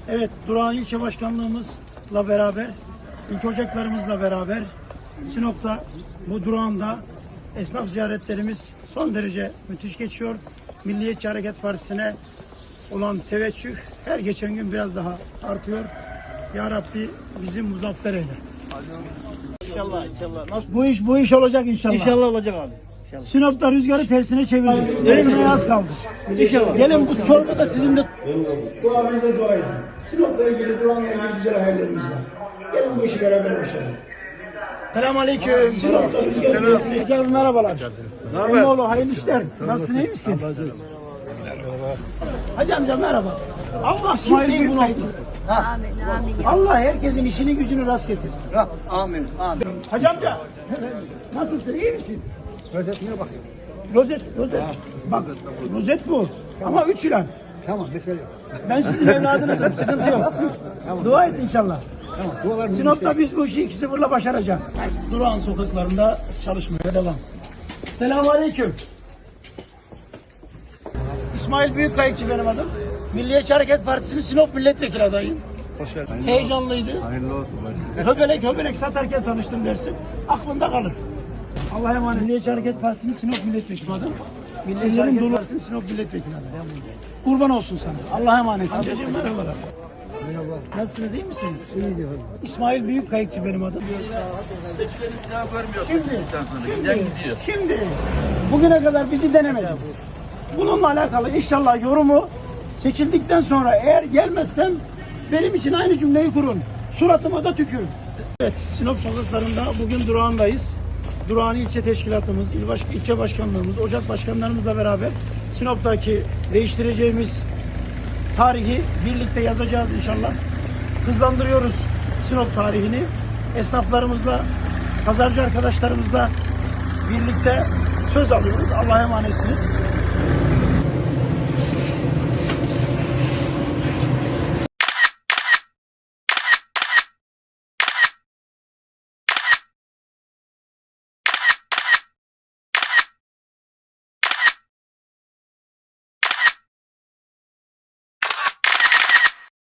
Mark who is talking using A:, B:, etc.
A: Evet, Durağan İlçe Başkanlığımızla beraber, ilk ocaklarımızla beraber Sinop'ta, bu Durağan'da esnaf ziyaretlerimiz son derece müthiş geçiyor. Milliyetçi Hareket Partisi'ne olan teveccüh her geçen gün biraz daha artıyor. Ya Rabbi bizi muzaffer eyle.
B: İnşallah, inşallah. Nasıl?
A: Bu iş olacak inşallah.
B: İnşallah olacak abi. İnşallah.
A: Sinop'ta rüzgarı tersine çevirdik. Elimine az kaldı.
B: İnşallah.
A: Gelin bu çorba da sizin de duamıza dua edin. Sinop'la ilgili, Durağan'la ilgili güzel hayallerimiz var. Gelin bu işi beraber başlayalım. Selamünaleyküm. Sinop'ta rüzgarı tersine. Hocam merhabalar. Emmoğlu hayırlı işler. Nasılsın, iyi misin? Hacı amca merhaba. Allah kimseyi bunaltmasın.
C: Amin, amin.
A: Allah herkesin işini gücünü rast getirsin.
B: Amin, amin.
A: Hacı amca nasılsın, iyi misin?
B: Özetine bak.
A: Rozet. Bak, rozet bu. Ama 3 ilan.
B: Tamam, mesele yok.
A: Ben sizin evladınızım, sıkıntı yok.
B: Tamam.
A: Dua et inşallah.
B: Tamam, dualarınızı
A: Sinop'ta biz bu işi 2-0'la başaracağız. Durağan sokaklarında çalışmaya devam. Selamünaleyküm. İsmail Büyükkayıkçı benim adım. Milliyetçi Hareket Partisi'nin Sinop milletvekili adayım.
B: Hoş geldin.
A: Heyecanlıydı.
B: Hayırlı olsun.
A: Höbelek satarken tanıştım dersin. Aklında kalır. Allah'a emanet. Milliyetçi Hareket Partisi'nin Sinop milletvekili adım. Milliyetçi Hareket Partisi'nin Sinop milletvekili adayım. Kurban olsun sana. Allah'a emanet. Amcacığım merhabalar.
B: Merhaba.
A: Nasılsınız, iyi misiniz?
B: İyi diyorum.
A: İsmail Büyükkayıkçı benim adım. Şimdi bugüne kadar bizi denemediniz. Bununla alakalı inşallah yorumu seçildikten sonra eğer gelmezsem benim için aynı cümleyi kurun. Suratıma da tükürün. Evet, Sinop sokaklarında bugün Durağan'dayız. Durağan ilçe teşkilatımız, ilçe başkanlığımız, ocak başkanlarımızla beraber Sinop'taki değiştireceğimiz tarihi birlikte yazacağız inşallah. Hızlandırıyoruz Sinop tarihini. Esnaflarımızla, pazarcı arkadaşlarımızla birlikte söz alıyoruz. Allah'a emanetsiniz.